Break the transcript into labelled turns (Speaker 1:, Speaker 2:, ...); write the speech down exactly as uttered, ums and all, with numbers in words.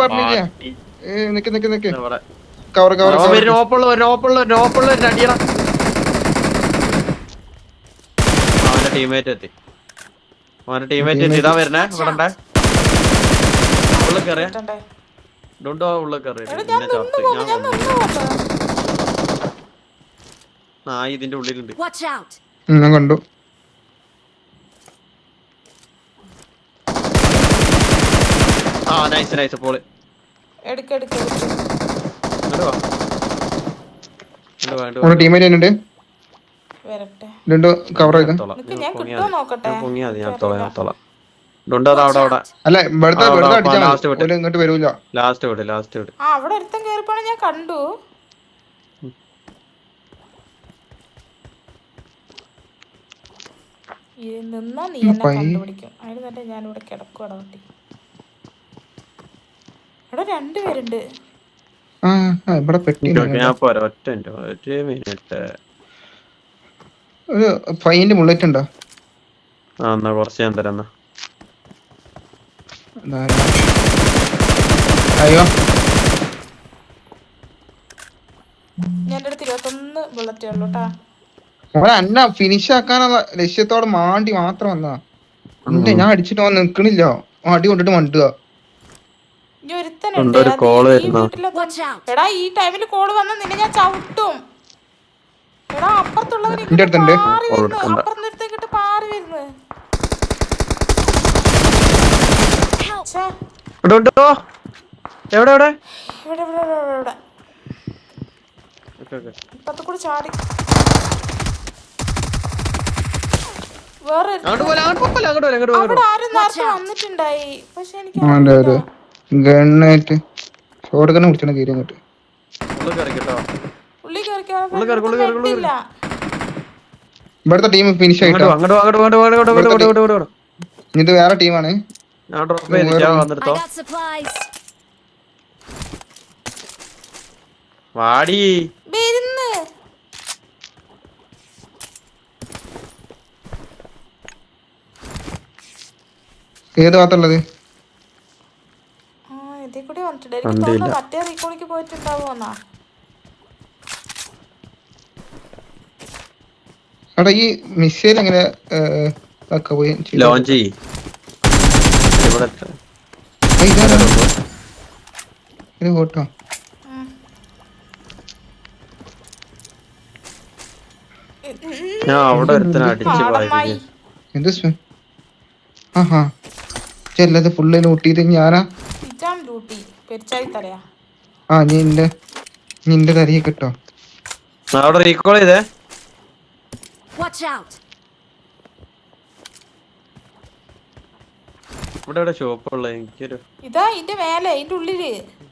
Speaker 1: പറഞ്ഞില്ല. നിക്ക് നിക്ക് നിക്ക് കവർ കവർ
Speaker 2: നോപ്പുള്ള നോപ്പുള്ള നോപ്പുള്ള അടിയണം. അവന്റെ ടീമേറ്റ് എത്തി. അവന്റെ ടീമേറ്റ് എത്തി. ഇതാ വരുന്നേ. ഇവിടെ ഉള്ളിൽ കയറിയ ഡുണ്ടോ ഉള്ളിൽ കയറി. ആ ഇതിന്റെ ഉള്ളിലുണ്ട്.
Speaker 1: ഞാൻ കണ്ടു.
Speaker 2: ആ നൈസ് നൈസ് പോള്.
Speaker 1: ടീമേറ്റ് ഉണ്ട്. കവർ ചെയ്ത് അല്ല ഇവിടുത്തെ ഇങ്ങോട്ട് വരൂല.
Speaker 2: ലാസ്റ്റ് വിട് ലാസ്റ്റ് വിട്.
Speaker 3: അവിടെ ഒരുത്തൻ കേറിപ്പോണ ഞാൻ കണ്ടു. നിന്നാ നീ എന്നെ കണ്ടുപിടിക്കും. അതിന് തന്നെ ഞാനിവിടെ കിടക്കുവാടാ കുട്ടി. ഇവിടെ രണ്ടുപേരുണ്ട്.
Speaker 1: ഒരു ഫൈൻ്റെ ബുള്ളറ്റ് ഉണ്ടോ?
Speaker 2: ആ എന്നാ കുറച്ച് ഞാൻ തരാം.
Speaker 1: അയ്യോ
Speaker 3: എന്റെ അടുത്ത് ഇരുപത്തൊന്ന് ബുള്ളറ്റേ ഉള്ളൂ കേട്ടാ.
Speaker 1: അന്ന ഫിനിഷ് ആക്കാനുള്ള ലക്ഷ്യത്തോടെ മാണ്ടി മാത്രം വന്നാ. എന്റെ ഞാൻ അടിച്ചിട്ട് വന്ന് നിക്കണില്ല. അടി കൊണ്ടിട്ട് മണ്ടുക.
Speaker 3: എടാ ഈ ടൈമില് കോള് വന്ന നിന്നെ ഞാൻ ചവിട്ടും. എടാ അപ്പുറത്തുള്ളവര് അപ്പുറത്തേക്കിട്ട് പാറി വരുന്നു.
Speaker 2: എവിടെ എവിടെ
Speaker 3: ഇവിടെ ഇവിടെ ഇവിടെ ഇപ്പത്തെ കൂടെ ചാടി. വേറെ അവിടെ ആരും നേരത്തെ വന്നിട്ടുണ്ടായി. പക്ഷെ എനിക്ക്
Speaker 1: ഗണ്ണായിട്ട് ഷോട്ട് ഗണ്ണ് കുടിച്ചാണ് കീരി അങ്ങോട്ട്. ഇവിടുത്തെ ടീം ഫിനിഷ് ആയിട്ടോ. ഇത് വേറെ ടീമാണ്.
Speaker 2: വാടി
Speaker 1: ഏത് ഭാഗത്തുള്ളത്?
Speaker 3: മറ്റേ റീകോളിക്ക് പോയിട്ടുണ്ടാവോന്നാ.
Speaker 1: എടാ ഈ മിസൈൽ എങ്ങനെ
Speaker 2: ലോഞ്ച് ചെയ്യ്.
Speaker 1: ഫോട്ടോ
Speaker 2: ഞാൻ അവിടെ ഒരുത്തനെ അടിച്ച് പോയി.
Speaker 1: എന്ത് ആഹാ ചെല്ലത് ഫുള്ള് ലൂട്ടിയത് ഞാനാ. ആ നിന്റെ നിന്റെ തരിയെ കിട്ടോ.
Speaker 2: അവിടെ റീകോൾ ചെയ്തേ. ഇവിടെ ഷോപ്പ് ഉള്ള എനിക്കൊരു
Speaker 3: ഇതാ ഇതിന്റെ മേലെ ഇതിന്റെ ഉള്ളില്